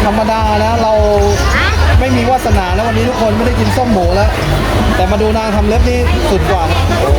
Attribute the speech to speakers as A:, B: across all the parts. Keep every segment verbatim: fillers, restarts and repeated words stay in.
A: ธรรมดานะเราไม่มีวาสนาแล้ววันนี้ทุกคนไม่ได้กินส้มหมูแล้วแต่มาดูนางทำเล็บนี่สุดกว่านะโอ้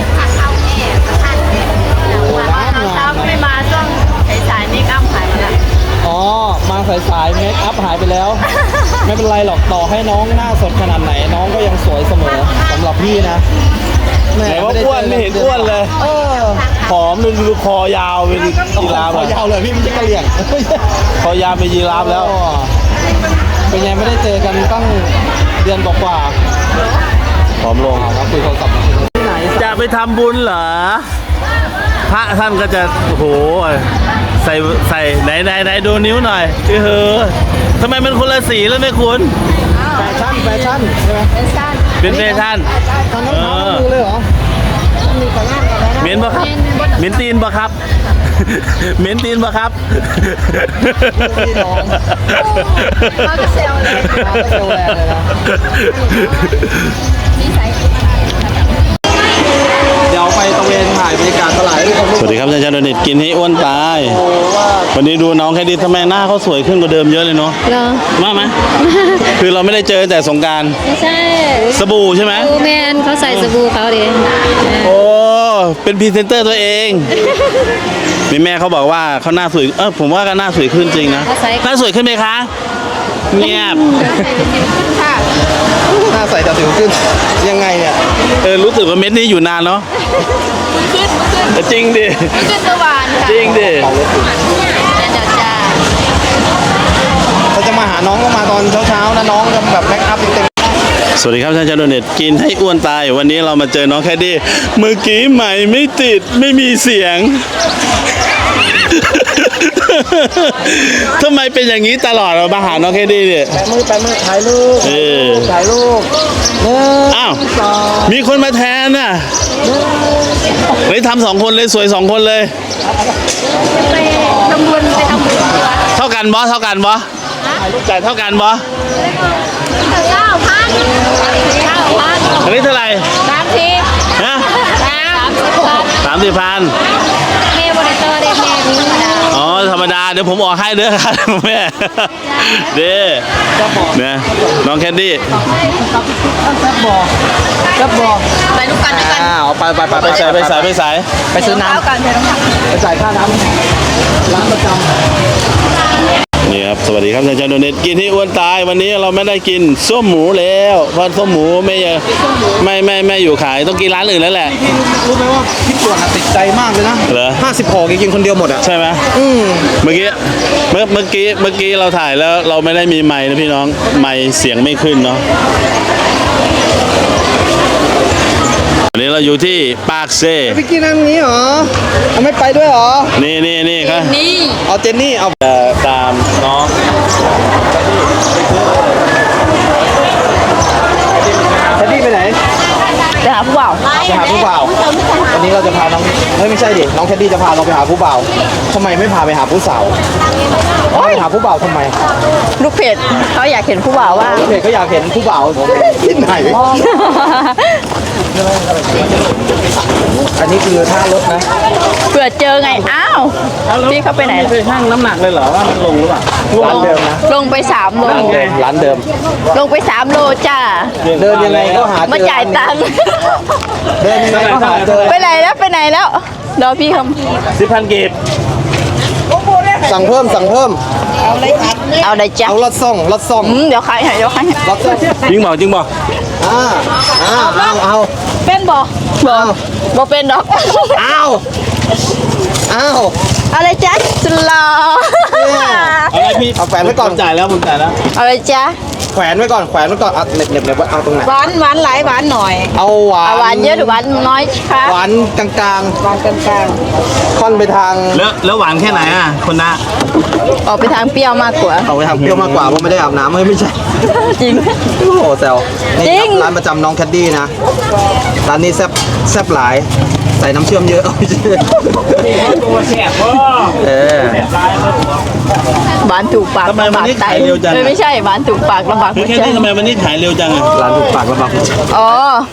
B: ว่าเราเช้าไม่มาช่วงสายๆนี่อ้ำหายไปแล้ว
A: อ๋อมาสายสายเมคอัพหายไปแล้วไม่เป็นไรหรอกต่อให้น้องหน้าสดขนาดไหนน้องก็ยังสวยเสมอสำหรับพี่นะ
C: ไหนว่าอ้วนไม่เห็นอ้วนเลย
A: เออ
C: ผอมดูดูคอยาวเป็นยีราฟ
A: คอยาวเลยพี่ไม่ใช่กระเหลี่ยง
C: คอยาวเป็นยีราฟแล้ว
A: เป็นไงไม่ได้เจอกันตั้งเดือนกว่า
C: ผอมลง
A: ครับคุยโทรศัพท์ที่ไหน
C: จะไปทำบุญเหรอพระท่านก็จะโอ้โหใส่ใส่ไหนไหนไหนดูนิ้วหน่อยเออทำไมมันคนละสีแล้วไม่คุณ
A: แฟชั่นแฟชั่นใช่ไหม
C: เป็นแฟชั่น
A: ทำน้ำเท้ามือเลยเหรอ
C: เหม็นปะครับเหม็นตีนปะครับเหม็นตีนปะครับ
B: เขาจะเซลเลย
A: เขาจะเซลแรงเลยนะเดี๋ยวไปตะเวนถ่ายบรรยากาศตลาดให้ทุกคน
C: สวัสดีครับอาจารย์โดนิตกินให้อ้วนตายวันนี้ดูน้องแค่ดีทำไมหน้าเขาสวยขึ้นกว่าเดิมเยอะเลยเนาะมาไหมคือเราไม่ได้เจอแต่สงกรานต์
D: ไม่ใช่
C: สบู่ใช่ไหม
D: บูแมนเขาใส่สบู่เขาดิ
C: โอ้เป็นพรีเซนเตอร์ตัวเองมีแม่เขาบอกว่าเขาหน้าสวยเออผมว่าก็หน้าสวยขึ้นจริงนะหน้าสวยขึ้นไหมคะเงียบ
A: หน้าใสแต่สิวขึ้นยังไงเนี่ย
C: เออรู้สึกว่าเม็ดนี้อยู่นานเนาะ
B: ขึ้นขึ้น
C: จริงดิ
B: ขึ้นสว่านค่ะ
C: จริงดิ
B: เดี๋ยวจ้า
A: เขาจะมาหาน้องก็มาตอนเช้าๆนะน้องจะแบบแม็กอัพเต็ม
C: สวัสดีครับท่านอาจารย์โดเนตกินให้อ้วนตายวันนี้เรามาเจอน้องแคดดี้เมื่อกี้ใหม่ไม่ติดไม่มีเสียงทำไมเป็นอย่างนี้ตลอดเรามาหาน้องแคดดี้เนี่ย
A: แปะมือแปะมือถ่ายรูป
C: เออ
A: ถ่ายรูป
C: อ้าวมีคนมาแทนน่ะเลยทำสองคนเลยสวยสองคนเลย
B: ไปทำบุญไปทำบุญ
C: เท่ากันบอเท่ากันบอจ่ายเท่ากันบอ
B: เก้าพันเก้าพัน
C: อันนี้เท่าไหร่
B: สามสิบ
C: ฮะ
B: สามสิบพัน
C: สามสิบพัน
B: แม่บริโภคได้แม่ธรรมดา
C: อ๋อธรรมดาเดี๋ยวผมออกให้เด้อครับแม่เด้เนี่ยน้องแคดดี้
A: แซ่บบอกแซ่บบอก
B: ไปลูกกันด้วยกัน
A: อ้าวไปไปไป
C: ไปใส่ไปใส่ไปใส่
A: ไปซื้อน้ำกันไปจ่ายค่าน้ำร้านประจำ
C: นี่ครับสวัสดีครับอาจารย์โดเนตกินที่อ้วนตายวันนี้เราไม่ได้กินส้มหมูแล้วเพราะส้มหมูไม่ไม่ไม่ไม่อยู่ขายต้องกินร้านอื่นแล้วแหละ
A: พี่รู้ไหมว่าพี่ปวดติดใจมากเลยนะ
C: เหรอ
A: ห้าสิบห่อกินคนเดียวหมดอ่ะ
C: ใช่ไหมอืมเมื่อกี้เมื่อเมื่อกี้เมื่อกี้เราถ่ายแล้วเราไม่ได้มีไมค์นะพี่น้องไมค์เสียงไม่ขึ้นเนาะวันนี้เราอยู่ที่ปากเซ่
A: พี่กินนั่งนี้เหรอเขาไม่ไปด้วยเหรอ
C: นี่นี่นี่ครับ
B: นี่
A: เอาเจนนี่เอา
C: ตามน้อง
A: เจนนี่ไปไหน
B: ไปหาผู้บ่าว
A: ไปหาผู้บ่าววันนี้เราจะพาน้องเฮ้ยไม่ใช่ดิน้องแคดดี้จะพาเราไปหาผู้บ่าวทำไมไม่พาไปหาผู้สาวไปหาผู้บ่าวทำไม
B: ลูกเพจเขาอยากเห็นผู้บ่าวว่า
A: ลูกเพจก็อยากเห็นผู้บ่าวที่ไหนอันนี้คือท่ารถนะ
B: เผื่อเจอไงอ้าวพี่เขาไปไหน
C: ไปชั่งน้ำหนักเลยเหรอว่ามันลงหรือเปล่า
A: ร้านเดิมนะ
B: ลงไปสามโล
A: ร้านเดิม
B: ลงไปสามโลจ้า
A: เดินยังไงก็หา
B: มาจ่ายตังค์
A: เดินยังไงก็หาเจอ
B: ไปไหนแล้วไปไหนแล้วรอพี่ค
C: ำสิบพันเก็บ
A: สั่งเพิ่มสั่งเพิ่ม
B: เอาอะไรเอาอะไรจ้า
A: เอารถส่งรถส่ง
B: เดี๋ยวใครให้เดี๋ยวใคร
A: รถส่ง
C: จริงบอกจริงบอก
A: อ่าอ่าเอาเอา
B: เป็นบ่บ่บ่เป็นดอก
A: เอาเอา
B: อะไรจ๊ะสุลา
C: อะไรพี่
A: เอาแขวนไว้ก่อน
C: จ่ายแล้วผมจ่ายแล้ว
B: อะไรจ๊ะ
A: แขวนไว้ก่อนแขวนไว้ก่อนเอาเน็บเน็บเน็บเอาตรงไหน
B: หวานหวานหลายหวานหน่อย
A: เอาหวาน
B: หวานเยอะหรือหวานน้อยคะ
A: หวานกลางกลาง
B: หวานกลางกลาง
A: ค่อนไปทาง
C: แล้วแล้วหวานแค่ไหนอ่ะคนนะ
B: ออกไปทางเปรี้ยวมากกว่า
A: ออกไปทางเปรี้ยวมากกว่าเพราะไม่ได้อาบน้ำไม่ไม่ใช่
B: จริง
A: โอ้โหแซวจริงร้านประจำน้องแคดดี้นะร้านนี้แซ่บแซ่บหลายใส่น้ำเชื่อมเยอะเอาไม่ใช่
C: ตัวแซ่บ
A: เออ
B: หวานถูกปาก
C: ทำไมวันนี้ขายเร็วจัง
B: ไม่ใช่หวานถูกปากลำบาก
C: แค่นี้ทำไมวันนี้ขายเร็วจังอ่ะ
A: ร้านถูกปากลำบาก
B: อ๋อ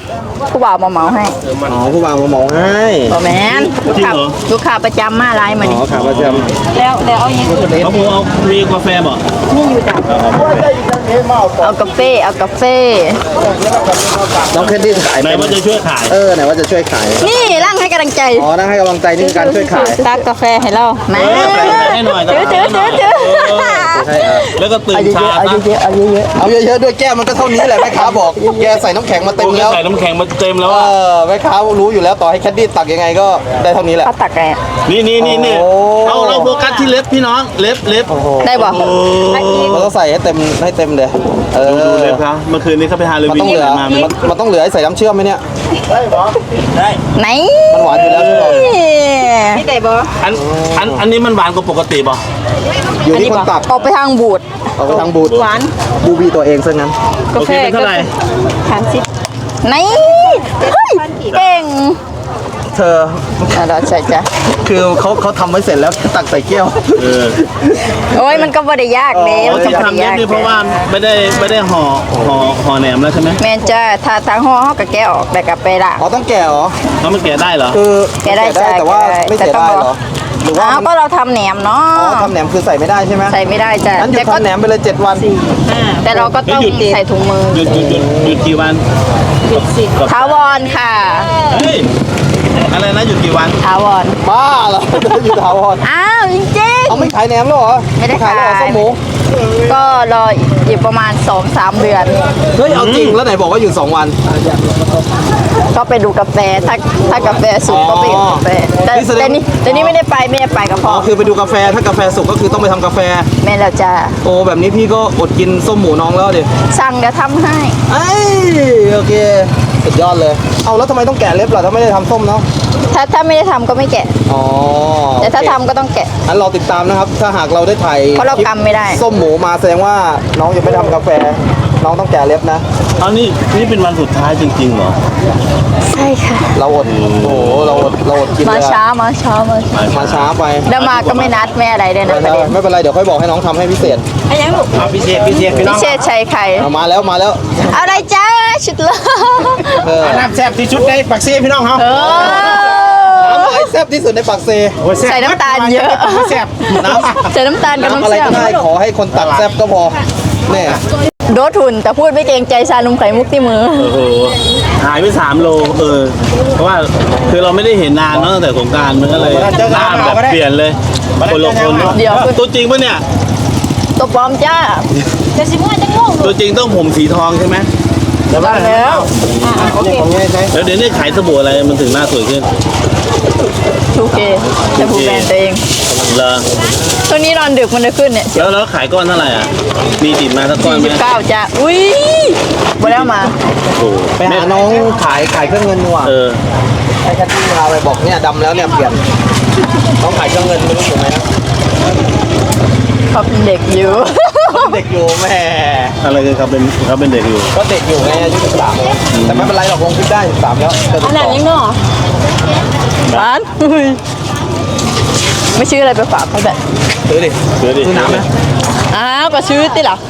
B: ผู้บ่าวมาเหมาให้
A: อ๋อผู้บ่าวมาหมองให้
B: บอแมนลูกค้าลูกค้าประจำมาไลน์มา
A: อ๋
B: นี่
A: อขาประจ
B: แล้วแล้วเอาอย่าง
C: เขาพูเอามีกาแฟบอก
B: นี่อยู่จ้ะเอากาแฟเอากาแฟ
A: ำน้องแคนดี้ขาย
C: ไหน
A: เป็น
C: ว่าจะช่วยขาย
A: เออไหนว่าจะช่วยขาย
B: นี่ร่างให้กำลังใจ
A: อ๋อนั่งให้กำลังใจนี่คือการช่วยขาย
B: ตักกาแฟให้เราแม่
C: เออใส่ให้หน่อย
B: ถือถือถือถือ
A: ใช่ครับ
C: แล้วก็ตื่น
B: เอาเย
C: เช้า
B: อะๆเอา
C: ซะ
B: เยอะๆเอาเยอะ
A: เอาเยอะๆด้วยแก้วมันก็เท่านี้แหละแม่ค้าบอกแกใส่น้ำแข็งมาเต็ม
C: กู
A: แล้ว
C: ใส่น้ำแข็งมาเต็มแล้ว
A: เอ
C: อ่ะ
A: อแม่ค้ารู้อยู่แล้วต่อให้แคดดี้ตักยังไงก็ได้เท่านี้แห
B: ๆ
A: ละ
B: เขาตักไง
C: นี่นี่นี่นี่
A: โอ้
C: เอาเราโฟกัสที่เล็บพี่น้องเล็บเล็บ
A: โอ้โห
B: ได้บ่
C: โอ้
A: เราต้องใส่ให้เต็มให้เต็มเลยเออ
C: ดูเล็บครับเมื่อคืนนี้เขาไปฮาโล
A: มัน
C: วีน
A: ต้องเหลือ
C: มา
A: มันมันต้องเหลือให้ใส่น้ำเชื่อมไหมเนี่ย
B: ไหน
A: มันหวานอยู่แล้วใช่ไหม
B: นี่ได้บ่
C: อันอันอันนี้มันหวานกว่าปกติป่ะ
A: อยู่ที่คนตัก
B: ออกไปทางบูด
A: เอาไปทางบูด
B: หวาน
A: บูบีตัวเองซะงั้น
C: โอเคเป็นเท่าไหร่
B: สามสิบไหนเฮ้ยเก่ง
A: เธอ
B: อ่ะเราใช่จ้ะ
A: คือเขาเขาทำไว้เสร็จแล้วแค่ตักใส่แก้ว
C: เออ
B: โอ้ยมันก็บ่ได้ยากเด้
A: อ๋อ
B: มันก็
C: ที่
B: บ่ได้
C: ทำเล็บ
B: ยาก
C: นี่เพราะว่าไม่ได้ไม่ได้ห่อห่อห่อแหนมแล้วใช่ไหม
B: แม่นจ้าถ้าทางห่อเฮาก็แกะออกแต่ก็ไปละ
A: อ๋อต้องแก่เหรอ
C: แล้วมันแกะได้เหรอ
A: คือ
B: แกะได้จ้ะ
A: แต่ว่า
B: แกะได้
A: ไม่เสีย
B: แต่ต้อง
A: ได้
B: รอ
A: เหรอหรือว่า
B: อ้าว
A: มัน
B: ก็เราทำแหนมเนาะ
A: อ๋อทำแหนมคือใส่ไม่ได้ใช่ไหม
B: ใส่ไม่ได้จ้ะ
A: งั้นหยุ
B: แต่
A: ด
B: ก็
A: ทำแหนมไปเลยเจ็ดวัน
B: แต่เราก็ต้องใส่ถุงมือ
C: หยุดหยุดหยุดหยุดกี่วันหยุดสิ
B: ถาวรค่ะ
C: เฮ้ยอะไรนะหยุดกี่วัน
B: ถาวร
A: บ้าเหรอ อยู่ถาวร
B: อ้าวจริง
A: เอาไม่ขายแหนมแล้วเหรอ
B: ไม่ได้
A: แล้วเหรอ
B: ขาย
A: ส้มหมู
B: ๆก็รออีกประมาณ สองสาม เดือน
A: เฮ้ยเอาจริงแล้วไหนบอกว่าอยู่สองวัน
B: ก็ไปดูกาแฟถ้าถ้ากาแฟสุกก็ไปดูกาแฟแต่
A: นี่แสดง
B: แต่นี่แต่นี่ไม่ได้ไปไม่ได้ไปกับพ่
A: อ๋
B: อ
A: อคือไปดูกาแฟถ้ากาแฟสุกก็คือต้องไปทำกาแฟ
B: แม่แล้วจ้า
A: โอ้แบบนี้พี่ก็อดกินส้มหมูน้องแล้วดิ
B: สั่งเดี๋ยวทำให้
A: ไอ้โอเคสุดยอดเลย เอาแล้วทำไมต้องแกะเล็บล่ะถ้าไม่ได้ทำส้มเนาะ
B: ถ้าถ้าไม่ได้ทำก็ไม่แกะ
A: อ๋อ
B: แต่ถ้า
A: โอเค
B: ทำก็ต้องแกะ
A: อันเราติดตามนะครับ ถ้าหากเราได้ถ่าย
B: เพราะเรา
A: คลิป
B: กำไม่ได้
A: ส้มหมูมาแสดงว่าน้องยังไม่ทำกาแฟ น้องต้องแกะเล็บนะ
C: เอานี่นี่เป็นวันสุดท้ายจริงๆเหรอ
B: ใช่ค่ะ
A: เราอด โอ้โห เราอด เราอดกิน
B: มา
A: เลยอะ
B: ช้ามาช้ามาช้า
A: มาช้าไป
B: แล้วมาก็ไม่นัดแม่อะไรเลยนะประเด็น
A: ไม่เป็นไร เดี๋ยวค่อยบอกให้น้องทำให้พิเศษ
B: ไอ้ยังลูก
A: พิเศษ พิเศษพี่น้
B: พิ
A: อง
B: เศษชัยไข่
A: เอามาแล้ว มาแล้ว
B: เอาอะไรจ้าชุดละ
A: เออ
E: น้ำแซ่บที่ชุดได้ปักซี่พี่น้องเขา
B: เออ
A: น้ำอะไรแซ่บที่สุดในปากเซ
B: ใส่น้ำตาลเยอะ
E: แซ่บ
A: น้ำ
B: ใส่น้ำตาลกับ
A: น้ำ
B: น้ำ
A: อะไร
B: เชื่อ
A: ก็
B: ม
A: ได้ ขอให้คนตักแซ่บก็พอเนี่ย
B: โดดทุนแต่พูดไม่เกรงใจชาลุมไข่มุกที่มือ
C: โอ้โหหายไปสามโลเออเพราะว่าคือเราไม่ได้เห็นนานเนอะตั้งแต่สงกรารมันก็เลยหน้าแบบเปลี่ยนเลยคนละคนเนอะ
B: เดี๋ยว
C: ตัวจริงปะเนี่ย
B: ตัวปลอมจ้าจะสิมั่วจะงง
C: ตัวจริงต้องผมสีทองใช่ไหม
B: ตอนแล้ว
A: ของง่ายใช่
C: แล้วเดี๋ยวนี้ขายสบู่อะไรมันถึงหน้าสวยขึ้น
B: ทูเคจะพูดแบรนด์ตัวเอง
C: เหรอ
B: ช่วงนี้นอนดึกมันจะขึ้นเนี่ย
C: แล้วแล้วขายก้อนเท่าไหร่อ่ะมีติดมาสักก้อนไหม
B: สี่สิบเก้าจ้าอุ้ยบ่แล้วมา
C: โอ้โห
A: ไปหาน้องขายขายเครื่องเงินดีกว่า
C: เออ
A: ให้แคทตี้พาไปบอกเนี่ยดำแล้วเนี่ยเปลี่ยนน้องขายเครื่องเงินไม่รู้ถูกไหมนะ
B: เขาเป็นเด็กอยู่
A: เด็กอยู่แม่
C: อะไรกันครับเป็นเขาเป็นเด็กอยู่
A: ก็เด็กอยู่ไงอายุสิบสามแต่ไม่เป็นไรหรอกลงคลิปได้สิบสามแล้วจะติดต่อ
B: ร้านอุ้ยไม่ชื่ออะไรไปฝากเขาแบบ
A: ซื้อดิ
C: เดี๋ยวดิ
A: ซื้อน้ำไหม
B: อ้าวก็ซื้อติหรอ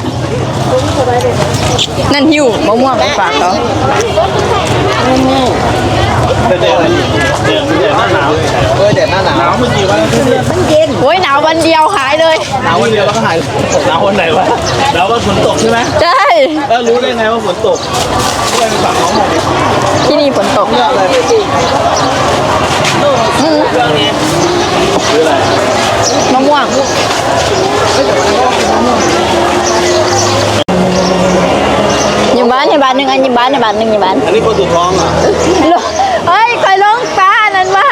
B: นั่นหิวมะม่วงไปฝากเขา
C: เด็กเด็กเด็กเด็กหน้าหนาว
A: เออเด็ดหน้าหนาว
C: หนาวเมื่อกี่วันแล้วเนี่ย
B: โอ้ยหนาววันเดียวหายเลย
A: หนาววันเดียวแล้วก็หาย
C: หนาววันไหนวะหนาววันฝนตกใช่ไหม
B: ใช่
C: แล้วรู้ได้ไงว่าฝนตก
B: ที่นี่ฝนตก
A: เยอะเลย
C: คืออะไร
B: มะม่วงยิมบ้านยิมบ้านหนึ่งอันยิมบ้านยิมบ้านหนึ่งยิมบ้าน
C: อันนี้คนสุดท้องอ่ะ
B: เฮ้ยคอยลงป้านั่นมา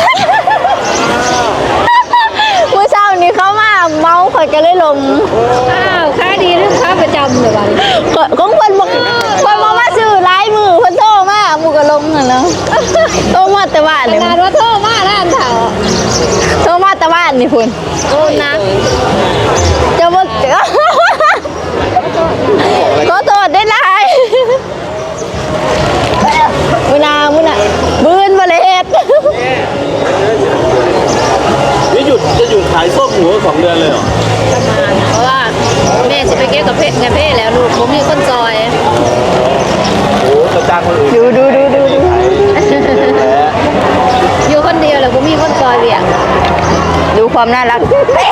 B: เมื่อเช้านี้เขามาเมาคอยก็เลยลง
D: อ้าวค่าดีหรือค่าประจำเดี๋ยววัน
B: ของคนบอกคนมามาซื้อลายมือคนโทรมาหมูก็ลงน่ะเนาะโทรมาแต่บ้าน
D: ข
B: เลย
D: นาดว่าโทษมากนะอันเถา
B: โทรมาแต่บ้านนี่คุณ
D: โอ้นะ
B: จะบอกขอโทษได้ไรมุนามุนาบืนมาเลยเฮ็ด
C: นี่หยุดจะหยุดขายส้มหมูสองเดือนเลยเหรอ
D: เพราะว่าแม่จะไปเก็บกับเพชรกับเพชรแล้วลูกผมมีคนซอย
A: โอ้จะจ้างคนอื่น
B: ดูดูดูดูดูความน่ารัก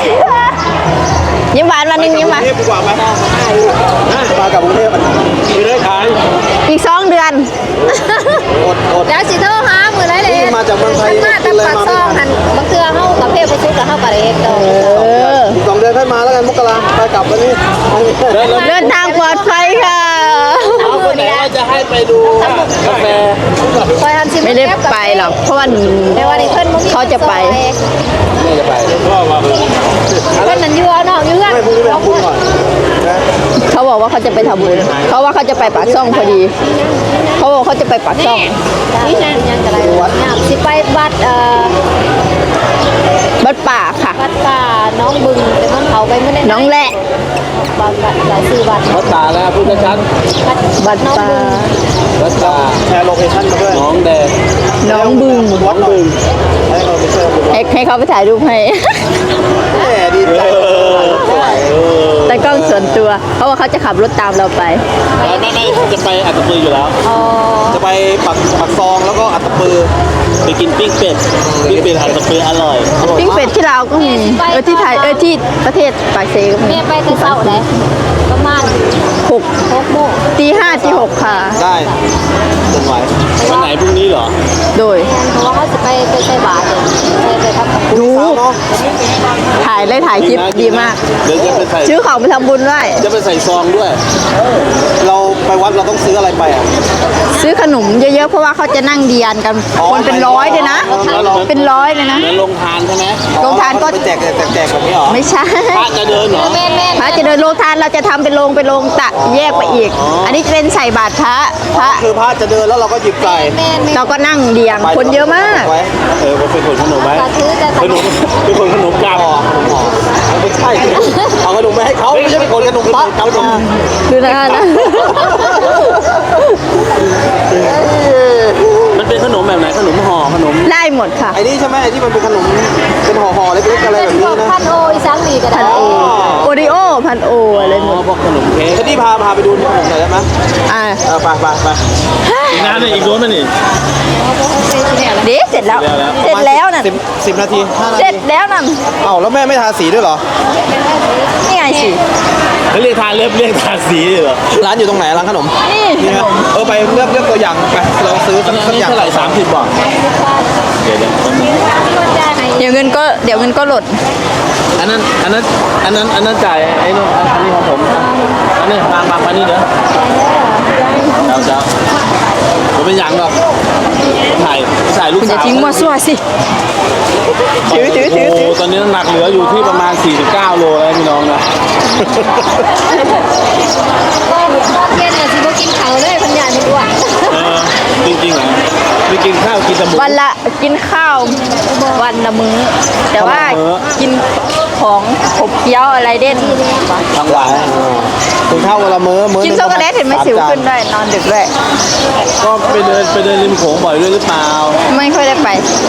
B: ยิ้มหวานวันหนึงยิ้มหวาน
E: กรุงเทพดีกว่าไหมมากับกรุงเทพไม่ได้ขาย
B: อีกสองเดือน
E: อดอด
D: แล้วสิโทรหามือไรเลย
E: นี่มาจากเมืองไทย
D: มาแต่ปากซองหันบางเทื่อเฮากับเพศประชุกกับเฮากับเอกเด้อ
B: เออ
E: อีกสองเดือนค่อยมาแล้วกันมกราไปกลับวันนี้
B: เดินทางปลอดภัยค่ะ
C: เอาคนไหนว่าจะให้ไปดูกาแฟ
D: คอยทำชิม
B: ไม่ได้ไปหรอกเพราะว่า
D: แต่ว่านี่เพิ่นบ่มี
B: เขาจะไป
E: นี่จะไป
C: ก็มา
D: เพิ่นนั่นอยู่เอาน้องอยู่เฮือน
E: ไม่พรุ่งนี้ไปทำบุญก่อนนะ
B: เขาบอกว่าเขาจะไปทำบุญเขาว่าเขาจะไปปากช่องพอดี เขาบอกเขาจะไปปากช่อง
D: นี่นั่นยังก็ได้ยามสิไปวัดเอ่อ
B: บัดป่าค่ะ
D: วัดป่าน้องบึงแต่มันเขาไปมื้อนี้
B: น้องแหละ
D: บางวัดหลายชื่อวัด
C: วัดตาแล้วพูดชัด
D: วัด
B: บัด
D: น้อง
B: ป่า
D: บึง
C: ๆวัดตา
E: แชร์โลเคชั่นมาด้วย
C: น้องแดง
B: น้องบึง
E: วัดบึงให้เราไปเชิญ
B: ให้ให้เขาไปถ่ายรูปให้
E: แหมดีใจ
B: แต่กล้องส่วนตัว เพราะว่าเขาจะขับรถตามเราไป
C: ไม่ไม่ไม่จะไปอัตตปืออยู่แล้ว
D: อ๋อ
E: จะไปปักปักซองแล้วก็อัตตปือ
C: ไปกินปิ้งเป็ดปิ้งเป็ดอัตตปืออร่อย
B: ปิ้งเป็ดที่ลาวก็มีเออที่ไทยเออที่ประเทศปากเซก็มี
D: แม่ไปแต่เช้าได้ประมาณ
B: หก
D: หกโมง
B: ตีห้าตีหกค่ะ
E: ได้จนไหว
C: วันไหนพรุ่งนี้เหรอ
B: โดย
D: เพราะว่าเขาจะไปไปใส่บาตรเลยไปไปทำกับ
B: ดู
E: สาวเนาะ
B: ถ่ายเลยถ่ายคลิปดีมาก
C: เดี๋ยวจะไปใส่
B: ซื้อของไปทำบุญด้วย
C: จะไปใส่ซองด้วย
E: เราไปวัดเราต้องซื้ออะไรไปอ่ะ
B: ซื้อขนมเยอะๆเพราะว่าเขาจะนั่งเดียนกัน
E: อ๋อ
B: คนเป็นร้อยเลยนะ เป็นร้อยเลยนะ
C: เหมือนลงทานใช่ไหม
B: โรงทานก็
E: ไปแจกแจกแจกแจกแบบนี้เหรอ
B: ไม่ใช่
C: พระจะเดินเหรอ
D: แม่แม่
B: พระจะเดินโรงทานเราจะทำเป็นโรงเป็นโรงตะแยกไปอีก อันนี้จะเป็นใส่บาตรพระพระ
E: คือพระจะเดินแล้วเราก็หยิบไก่
D: แม่แม่
B: เราก็นั่งเดียงคนเยอะมาก
E: ไว้
C: เออเป็นคนขนมไหม
D: สาธุจะ
C: ขนมเป็นคนขนมกลับ
E: ห่อห่อไม่ใช่เอาขนมไปให้เขาไม่ใช่เป็นคนขนมปังขนม
B: ดูนะนะ
C: มันเป็นขนมแบบไหนขนมห่อขนม
B: ได้หมดค่ะ
E: ไอ้นี่ใช่ไหมไอ้ที่มันเป็นขนมเป็นห่อห่อๆเล็กๆอะไรแบบนี้นะ
D: พันโออีสังมีก็ได้
B: โอริโอพันโออะไรหม
C: อ๋อ
B: ด
C: พวกขนมเค้ก
E: ที่พาพาไปดูขนมหน่อยได้ไหม
B: อ่า
E: เออไปไปไป
C: อีกนานเลยอีกโดนมันนี่
B: เดี๋ยวเสร็จแล้ว เสร็จแล้วน่ะ
E: สิบสิบนาทีห้านา
B: เสร็
E: ที
B: จแล้วน่ะ
E: เอ้าแล้วแม่ไม่ทาสีด้วยเหรอ
B: นี่ไงสิ
C: เขาเรียกทานเล็บเรียกทานสีเหรอ
E: ร้านอยู่ตรงไหนร้านขนม
B: นี่
E: นี่นะเออไปเลือกเลือกตัวอย่างไปเราซื้อ
C: อั
E: สั
C: น
E: ก
C: นี้
E: สักอย่าง
C: เท่าไหร่สามสิบบาทเดี๋ยวเดี๋ยว
B: เดี๋ยวเงินก็เดี๋ยวเงินก็หล่น
C: อันนั้นอันนั้นอันนั้นอันนั้นจ่ายไอ้นู่นอันนี้ของผมอันนี้มามามานี่เด้อเจ้าเจ้าผมเป็นหยังหรอกถ่ายถ่ายลูก
B: คุณอ
C: สา
B: ย่าว ทิ้งมั่วซั่วสิ ถือถือถือ
C: โอ้โหตอนนี้น้ำหนักเหลืออยู่ที่ประมาณสี่สิบเก้าโลแล้วพี่น้องนะ
D: เย็นน่ะสิบ่กินข้าวเลยพันยานอ้วน
C: เออจริงๆเหรอไม่กินข้าวกินแต่หมู
B: วันละกินข้าววันละมื้อ แต่ว่า
C: วันละมื้อ
B: กินของขบเคี้ยวอะไรเด่น
C: ทั้งวัน
E: ถึงข้าววันละมื้อมื้อ
B: กินช็อกโกแลตเห็นไหมสิวขึ้นด้วยนอนดึกด้วย
C: ก็ไปเดินไปเดินริมโขงบ่อยด้วยหรือเปล่า
B: ไม่ค่อยได้ไป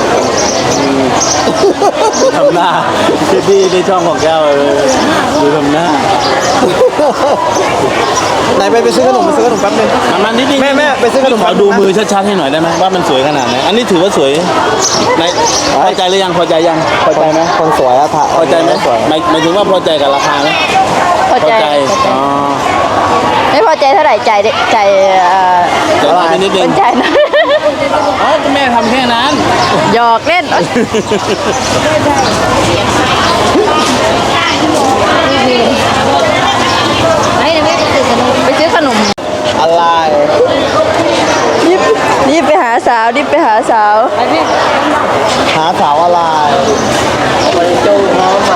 C: ทำหน้าที่ที่ในช่องของแก้วเลยดูทำหน้า
E: ไหนไปไปซื้อขนมไปซื้อขนมแป๊บนึง
C: มามานิดนึง
E: แม่แม่ไปซื้อขนม
C: ขอดูมือชัดๆให้หน่อยได้ไหมว่ามันสวยขนาดไหนอันนี้ถือว่าสวยในพอใจหรือยังพอใจยังพอใจไหม
E: คนสวยอะค่ะ
C: พอใจไหมหมายหมายถึงว่าพอใจกับราคาไหม
B: พอใจ
C: อ๋อ
B: ไม่พอใจเท่าไหร่ใจายดิใจายเอ่อ
C: เดี๋ยวนิดนึ
B: เป็
C: ง
B: นใจายนะ
C: อ๋อแม่ทำแค่นั้น
B: หยอกเล่น
D: ไอ้เนี่ยแม่จะตื่นกัน
B: ไปซื้อขนม
E: อะไร
B: รีบรีบไปหาสาวรีบไปหาสาว
E: หาสาวอะไรไปจูงน้องใหม่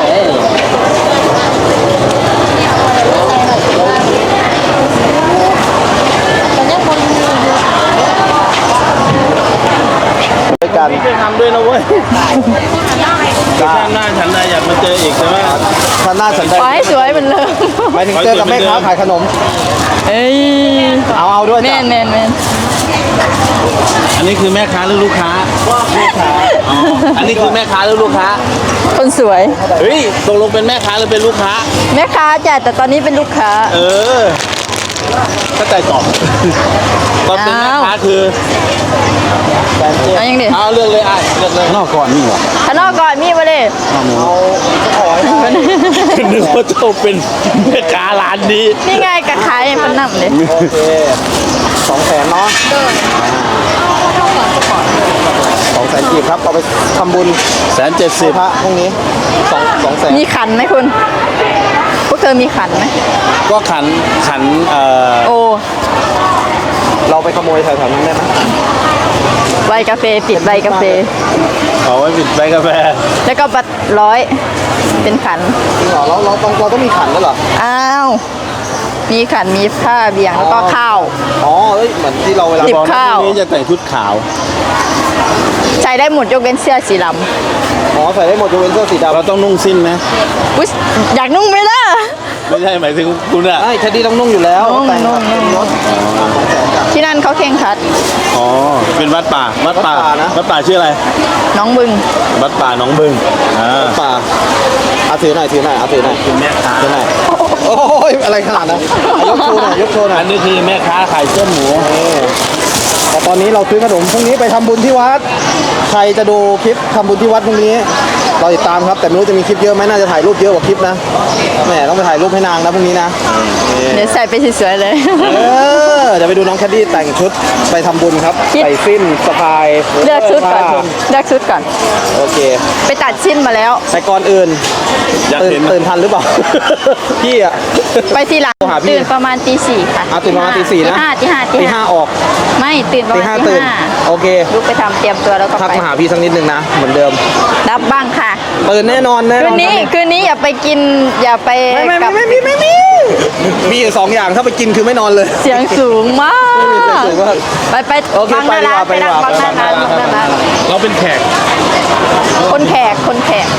E: ด้วยกัน
C: พี่ไปทำด้วยนะเว้ยชาติหน้าฉันนายอยากมาเจออีกใช่ไหม
E: ท่านหน้าสนใจ
B: ขอให้สวยเหมือนเดิม
E: หมายถึงเจอกับแม่ค้าขายขนม
B: เอ้ย
E: เอาเอาด้วย
B: แม
E: จ้ะ
B: นแมนแมน
C: อันนี้คือแม่ค้าหรือลูกค้าอ๋ออันนี้คือแม่ค้าหรือลูกค้า
B: คนสวย
C: เฮ้ยตกลงเป็นแม่ค้าหรือเป็นลูกค้า
B: แม่ค้าจ้ะแต่ตอนนี้เป็นลูกค้า
C: เออเข้าใจตอบตอนเป็นแม่ค้าคือ
B: เอายังดิ
C: เอาเลือกเลยไอ้เลือกเลย
E: นอกก่อนนี่เหรอ
B: ข้างนอกก่อนมีมาเลย
C: นึกว่าเจ้าเป็นแม่ค้าร้านนี้
B: นี่ไงกระขายมันนั่งเลย
A: โอเคสองแสนเนาะสองแสนกีบครับเอาไปทำบุญ
C: แสนเจ็ดสิบ
A: พระพรุ่งนี้สองสองแสน
B: มีขันไหมคุณ พวกเธอมีขันไหม
C: ก็ขันขันเอ่อ
B: โอ้
A: เราไปขโมยแถวๆนั้นได้ไหม
B: ใบกาแฟติดใบกาแฟ
C: เอาไว้ปิดใบกาแฟ
B: แล้วก็บัตรร้อยเป็นขัน
A: จริงเหรอเราเราต้องเราต้องมีขันด้วยเหรอ
B: อ้าว มีขัน มีผ้าเบี่ยงแล้วก็ข้าว
A: อ๋อเอ้ยเหมือนที่เราเวลา
B: ติด
A: บอก
B: ข้าว
C: พรุ่งนี้จะแต่งชุดขาว
B: ใช้ได้หมดยกเว้นเสื้อสีด
A: อ๋อใส่ได้หมดยกเว้นเสื้อสีดำ
C: เราต้องนุ่งสิ้นนะ
B: ำอุ๊ยอยากนุ่งไหมล่ะ
C: ไม่ใช่หมายถึงคุณอะ
A: ใช่แคดดี้ต้องนุ่งอยู่แล้ว
B: นุ่ง
A: แต่ง
B: นุ่งนุ่ง
A: รถสองแสนจ้ะ
B: ที่นั่นเขาเข่งครัด
C: อ๋อเป็นวัดป่าวัดป่า
A: วัดป่านะ
C: วัดป่าชื่ออะไร
B: น้องบึง
C: วัดป่าหนองบึงอ่า
A: ป่าเอาถือหน่อยถือหน่อยเอาถือหน่อย
C: เป็นแม่ค้า
A: ถือหน่อยโอ้ยอะไรขนาดนั้นยกโชว์หน่อยยกโชว์หน่อย
C: อันนี้คือแม่ค้าขายเส้นหมู
A: แต่ตอนนี้เราซื้อขนมพรุ่งนี้ไปทำบุญที่วัด ใครจะดูคลิปทำบุญที่วัดพรุ่งนี้เราติดตามครับแต่ไม่รู้จะมีคลิปเยอะไหมน่าจะถ่ายรูปเยอะกว่าคลิปนะแหมต้องไปถ่ายรูปให้นางนะพรุ่งนี้นะนี่
B: เดี๋ยวใส่ไปสวยๆเลย
A: เออเดี๋ยวไปดูน้องแคดดี้แต่งชุดไปทำบุญครับ
B: คิด
A: ใส่สิ้นสะพาย
B: เลือกชุดก่อน
A: ผ้า
B: เลือกชุดก่อน
A: โอเค
B: ไปตัดชิ้นมาแล้ว
A: แต่ก่อนอื่น
C: อยาก
A: ตื่น
C: เห็นไหม
A: ตื่นทันหรือเปล่า พี่อะ
B: ไปทีหลัง
A: โทรหาพี่
B: ตื่นประมาณตีสี่ค่ะ
A: อ่ะตื่นประมาณตีสี่นะ
B: ห้าตีห้า
A: ตีห้าออก
B: ไม่ตื่นประ
A: ตี
B: มาณ
A: ห้า
B: ตี
A: ตื่น
B: ห้า
A: โอเค
B: ลุกไปทำเตรียมตัวแล้วก็
A: ทัก
B: ไป
A: มาหาพี่สักนิดนึงนะเหมือนเดิม
B: รับบ้างค่ะ
A: ตื่นแน่นอนแน่น
B: คื
A: อน
B: นนี้คืนนี้อย่าไปกินอย่าไป
A: ไม่ไม่
B: กั
A: ไม่
B: บ
A: ไม่ไม่ไม่มีอยู่สองอย่างถ้าไปกินคือไม่นอนเลย
B: เสียงสูงมาก
A: ไม่มีเสียงสูงมาก
B: ไปไป
A: โอเค
B: ฟังหน้าร้าน
A: ไป
B: ไป
A: ดี
B: นั่ง
A: กว่า
B: ฟังหน้าร้าน
A: ไป
B: ฟัง
A: ดีกว่า
B: หน้าร้าน
C: เราเป็นแขก
B: คนแขกคนแขก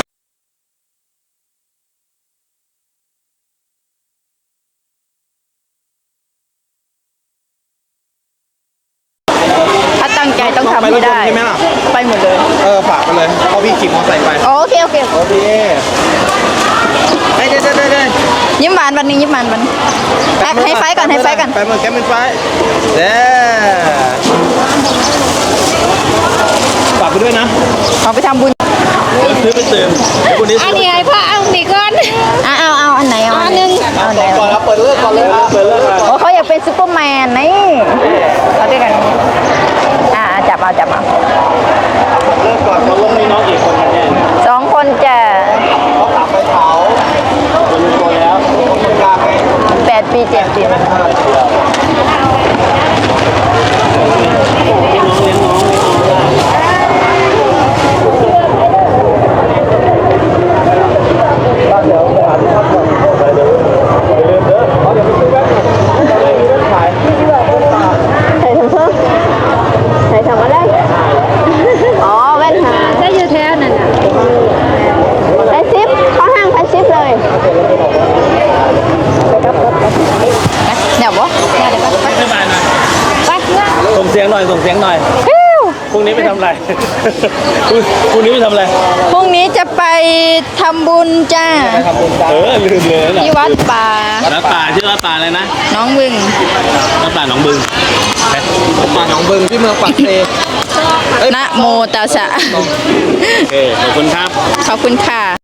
B: ถ้าตั้งใจต้องทำให้ได้
A: ไปรถยนต์ใช่ไหมล่ะ
B: ไปหมดเลย
A: เออฝากไปเลยเพราะพี่ขี่มอเตอร์ไซค์ไป
B: โอเคโอเค
A: โอเคเฮ้ยเด้เด้เด้
B: ยิ้มหวานวันนี้ยิ้มหวานวันให้ไฟก่อนให้ไฟก่อน
A: ไปมือแกมือไฟเด้ฝากไปด้วยนะ
B: เอาไปทำบุญ
C: ซื้อไปเติมวันนี้
D: อันนี้ไอ้พ่อเอามีก้อน
B: อ่ะเอาเอาอันไหนเอาอันหนึงเอาอันไหน
A: ก่อนครับเปิดเลิกก่อนเลยครับเปิดเลิก
B: โอ้เขาอยากเป็นซูเปอร์แมนนี่เอาด้วยกันอ่าจับเอาจับเอา
A: เลิกก่อนเขาลงมีน้องกี่คนกันเนี่ย
B: สองคนจะ
A: เขากลับไปเผาเป็นตัวแล้วคนกลางไง
B: แปดปีเจ็ดปีใส่ทำอะไรอ๋อแว่นหา
D: ได้อยู่แท้นั่นน่ะ
B: ไปซิปเข้าห้างไปซิปเลยเดี๋ยวบ่เดี๋ยวเดี๋ยวก็ไป
C: ไม่มานะ
B: ไปเพื่อน
C: ส่งเสียงหน่อยส่งเสียงหน่อยพรุ่งนี้ไปทำอะไร พรุ่งนี้ไปทำอะไร
B: พรุ่งนี้จะไปทำบุญจ้า
C: เออลืมเลยนะ
B: ที่วัดป่า
C: วัดป่าชื่อวัดป่าอะไรนะ
B: น้องบึง
C: วัดป่าหนองบึง
A: ป่าหนองบึงที่เมืองปักเซ
B: นะโมตัสสะ
C: โอเคขอบคุณครับ
B: ขอบคุณค่ะ